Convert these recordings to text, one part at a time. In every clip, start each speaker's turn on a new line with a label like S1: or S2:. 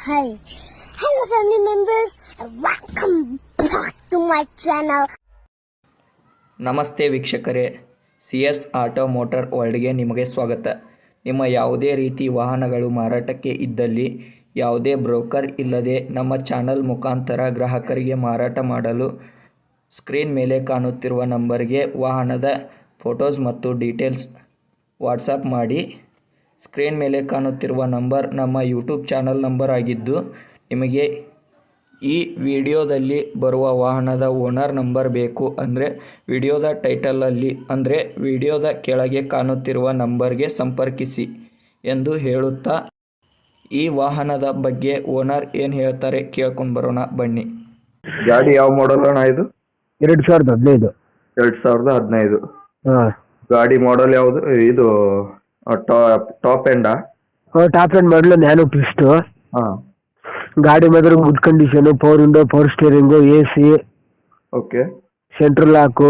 S1: Hi. Hello family members and welcome back to my channel.
S2: ನಮಸ್ತೆ ವೀಕ್ಷಕರೇ, CS auto motor ವರ್ಲ್ಡ್ಗೆ ನಿಮಗೆ ಸ್ವಾಗತ. ನಿಮ್ಮ ಯಾವುದೇ ರೀತಿ ವಾಹನಗಳು ಮಾರಾಟಕ್ಕೆ ಇದ್ದಲ್ಲಿ ಯಾವುದೇ ಬ್ರೋಕರ್ ಇಲ್ಲದೆ ನಮ್ಮ ಚಾನಲ್ ಮುಖಾಂತರ ಗ್ರಾಹಕರಿಗೆ ಮಾರಾಟ ಮಾಡಲು ಸ್ಕ್ರೀನ್ ಮೇಲೆ ಕಾಣುತ್ತಿರುವ ನಂಬರ್ಗೆ ವಾಹನದ ಫೋಟೋಸ್ ಮತ್ತು ಡೀಟೇಲ್ಸ್ ವಾಟ್ಸಪ್ ಮಾಡಿ. ಸ್ಕ್ರೀನ್ ಮೇಲೆ ಕಾಣುತ್ತಿರುವ ನಂಬರ್ ನಮ್ಮ ಯೂಟ್ಯೂಬ್ ಚಾನಲ್ ನಂಬರ್ ಆಗಿದ್ದು, ನಿಮಗೆ ಈ ವಿಡಿಯೋದಲ್ಲಿ ಬರುವ ವಾಹನದ ಓನರ್ ನಂಬರ್ ಬೇಕು ಅಂದರೆ ವಿಡಿಯೋದ ಟೈಟಲಲ್ಲಿ ಅಂದರೆ ವಿಡಿಯೋದ ಕೆಳಗೆ ಕಾಣುತ್ತಿರುವ ನಂಬರ್ಗೆ ಸಂಪರ್ಕಿಸಿ ಎಂದು ಹೇಳುತ್ತಾ, ಈ ವಾಹನದ ಬಗ್ಗೆ ಓನರ್ ಏನು ಹೇಳ್ತಾರೆ ಕೇಳ್ಕೊಂಡು ಬರೋಣ ಬನ್ನಿ.
S3: ಗಾಡಿ ಯಾವ ಮಾಡಲ್ ಅಣ್ಣ ಇದು?
S4: 2015.
S3: 2015.
S4: ಹಾಂ,
S3: ಗಾಡಿ ಮಾಡಲ್ ಯಾವುದು ಇದು? ಟಾಪ್ ಎಂಡಾ?
S4: ಟಾಪ್ ಎಂಡ್ ಮಾಡಲು ನ್ಯಾನೋ ಪಿಸ್ಟು.
S3: ಹಾಂ,
S4: ಗಾಡಿ ಮಾತ್ರ good condition. Power window, power steering, AC,
S3: okay
S4: central lock,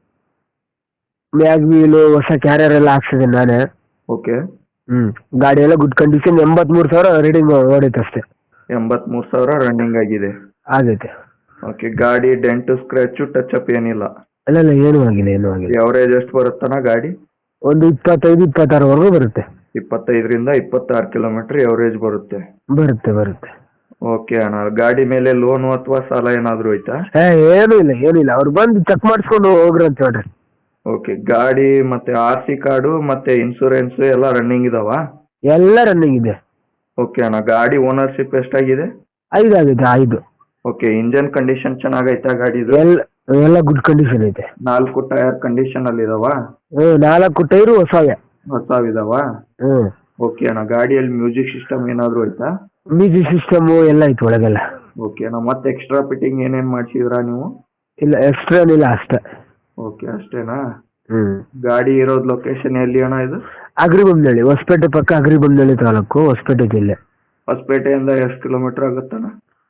S4: mag wheel, ಹೊಸ ಕ್ಯಾರಿಯರ್ ಎಲ್ಲ ಹಾಕ್ಸಿದ್ದೀನಿ ನಾನೇ.
S3: ಓಕೆ.
S4: ಗಾಡಿ ಎಲ್ಲ ಗುಡ್ ಕಂಡೀಷನ್. 83,000 ರೀಡಿಂಗ್ ಓಡೈತೆ ಅಷ್ಟೇ.
S3: 83,000 ರನ್ನಿಂಗ್ ಆಗಿದೆ.
S4: ಆಗೈತೆ.
S3: ಓಕೆ. ಗಾಡಿ ಡೆಂಟು, ಸ್ಕ್ರ್ಯಾಚು, ಟಚ್ ಅಪ್ ಏನಿಲ್ಲ?
S4: ಇಲ್ಲ ಏನೂ ಆಗಿಲ್ಲ.
S3: ಎವರೇಜ್ ಎಷ್ಟು ಬರುತ್ತಣ್ಣ ಗಾಡಿ?
S4: ಒಂದು 25-26ವರೆಗೂ ಬರುತ್ತೆ.
S3: 25ರಿಂದ 26 ಕಿಲೋಮೀಟರ್ ಎವರೇಜ್ ಬರುತ್ತೆ.
S4: ಬರುತ್ತೆ.
S3: ಓಕೆ ಅಣ್ಣ. ಗಾಡಿ ಮೇಲೆ ಲೋನು ಅಥವಾ ಸಾಲ ಏನಾದರೂ ಐತಾ?
S4: ಏನೂ ಇಲ್ಲ. ಅವ್ರು ಬಂದು ಚೆಕ್ ಮಾಡಿಸ್ಕೊಂಡು ಹೋಗ್ರಿ ಅಂತ ಹೇಳ್ರಿ.
S3: ಓಕೆ. ಗಾಡಿ ಮತ್ತೆ RC ಕಾರ್ಡು ಮತ್ತೆ ಇನ್ಸೂರೆನ್ಸ್ ಎಲ್ಲ ರನ್ನಿಂಗ್ ಇದಾವ?
S4: ಎಲ್ಲ ರನ್ನಿಂಗ್ ಇದೆ.
S3: ಓಕೆ ಅಣ್ಣ. ಗಾಡಿ ಓನರ್ಶಿಪ್ ಎಷ್ಟಾಗಿದೆ?
S4: 5 ಆಗೈತೆ. 5.
S3: ಓಕೆ. ಇಂಜನ್ ಕಂಡೀಷನ್ ಚೆನ್ನಾಗೈತಾ ಗಾಡಿದು?
S4: ಎಲ್ಲ ಗುಡ್ ಕಂಡೀಷನ್ ಐತೆ.
S3: 4 ಟೈರ್ ಕಂಡೀಷನ್ ಅಲ್ಲಿ ಇದಾವ?
S4: 4 ಟೈರು ಹೊಸವೆ.
S3: ಹೊಸವಿದಾವ? ಓಕೆ ಅಣ್ಣ. ಗಾಡಿಯಲ್ಲಿ ಮ್ಯೂಸಿಕ್ ಸಿಸ್ಟಮ್ ಏನಾದ್ರು ಐತಾ?
S4: ಮ್ಯೂಸಿಕ್ ಸಿಸ್ಟಮ್ ಎಲ್ಲ ಐತೆ ಒಳಗೆಲ್ಲ.
S3: ಓಕೆ ಅಣ್ಣ. ಮತ್ತೆ ಎಕ್ಸ್ಟ್ರಾ ಫಿಟ್ಟಿಂಗ್ ಏನೇನ್ ಮಾಡ್ಸಿದ್ರಾ ನೀವು?
S4: ಇಲ್ಲ, ಎಕ್ಸ್ಟ್ರಾ ಏನಿಲ್ಲ, ಅಷ್ಟೇ.
S3: ಓಕೆ, ಅಷ್ಟೇನಾ? ಗಾಡಿ ಇರೋದ್ ಲೊಕೇಶನ್ ಎಲ್ಲಿ ಅಣ್ಣ ಇದು?
S4: ಅಗ್ರಿಬೊಮ್ಮನಹಳ್ಳಿ, ಹೊಸಪೇಟೆ ಪಕ್ಕ. ಅಗ್ರಿಬೊಮ್ಮನಹಳ್ಳಿ ತಾಲೂಕು, ಹೊಸಪೇಟೆ ಜಿಲ್ಲೆ.
S3: ಹೊಸಪೇಟೆಯಿಂದ ಎಷ್ಟು ಕಿಲೋಮೀಟರ್ ಆಗುತ್ತಣ್ಣ?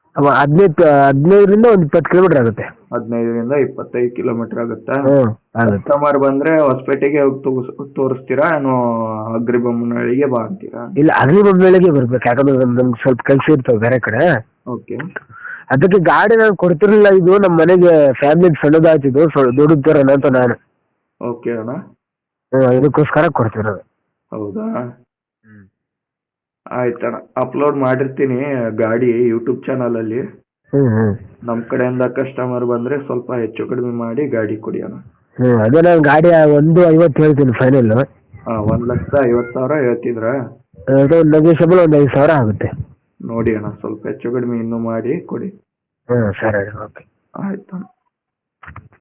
S4: 15ರಿಂದ ಒಂದು 20 ಕಿಲೋಮೀಟರ್ ಆಗುತ್ತೆ.
S3: 15ರಿಂದ 25 ಕಿಲೋಮೀಟರ್ ಆಗುತ್ತಾ?
S4: ಆಗುತ್ತೆ.
S3: ಕಸ್ಟಮರ್ ಬಂದ್ರೆ ಹೊಸಪೇಟೆಗೆ ಹೋಗಿ ತೋರಿಸ್ತೀರಾ ಏನು ಅಗ್ರಿಬೊಮ್ಮನಹಳ್ಳಿಗೆ ಬಾ ಅಂತೀರಾ?
S4: ಇಲ್ಲ, ಅಗ್ರಿಬೊಮ್ಮನಹಳ್ಳಿಗೆ ಬರ್ಬೇಕು. ಯಾಕಂದ್ರೆ ನಮ್ಗೆ ಸ್ವಲ್ಪ ಕೆಲಸ ಇರ್ತವೆ ಬೇರೆ ಕಡೆ.
S3: ಓಕೆ.
S4: ಅದಕ್ಕೆ ಗಾಡಿ ನಾನು ಕೊಡ್ತಿರ್ಲಿಲ್ಲ. ಇದು ನಮ್ಮ ಮನೆಗೆ ಫ್ಯಾಮಿಲಿ ಸಣ್ಣದಾಯ್ತಿದ್ದು, ದೊಡ್ಡದು ತರೋಣ ಅಂತ ನಾನು.
S3: ಓಕೆ ಅಣ್ಣ.
S4: ಇದಕ್ಕೋಸ್ಕರ ಕೊಡ್ತಿರೋದು.
S3: ಹೌದಾ? ಆಯ್ತಣ್ಣ. ಅಪ್ಲೋಡ್ ಮಾಡಿರ್ತೀನಿ ಗಾಡಿ ಯೂಟ್ಯೂಬ್ ಚಾನಲ್ ಅಲ್ಲಿ. ನಮ್ ಕಡೆಯಿಂದ ಕಸ್ಟಮರ್ ಬಂದ್ರೆ ಸ್ವಲ್ಪ ಹೆಚ್ಚು ಕಡಿಮೆ ಮಾಡಿ ಗಾಡಿ ಕೊಡಿ ಅಣ್ಣ.
S4: ಅದೇ ನಾನು ಗಾಡಿ 1.50 ಹೇಳ್ತೀನಿ ಫೈನಲ್.
S3: 1,50,000 ಹೇಳ್ತಿದ್ರ?
S4: ನೆಗೋಷಿಯಬಲ್ ಒಂದು 5,000 ಆಗುತ್ತೆ.
S3: ನೋಡಿ ಅಣ್ಣ, ಸ್ವಲ್ಪ ಹೆಚ್ಚು ಕಡಿಮೆ ಇನ್ನೂ ಮಾಡಿ ಕೊಡಿ.
S4: ಸರಿ, ಓಕೆ.
S3: ಆಯ್ತಣ್ಣ.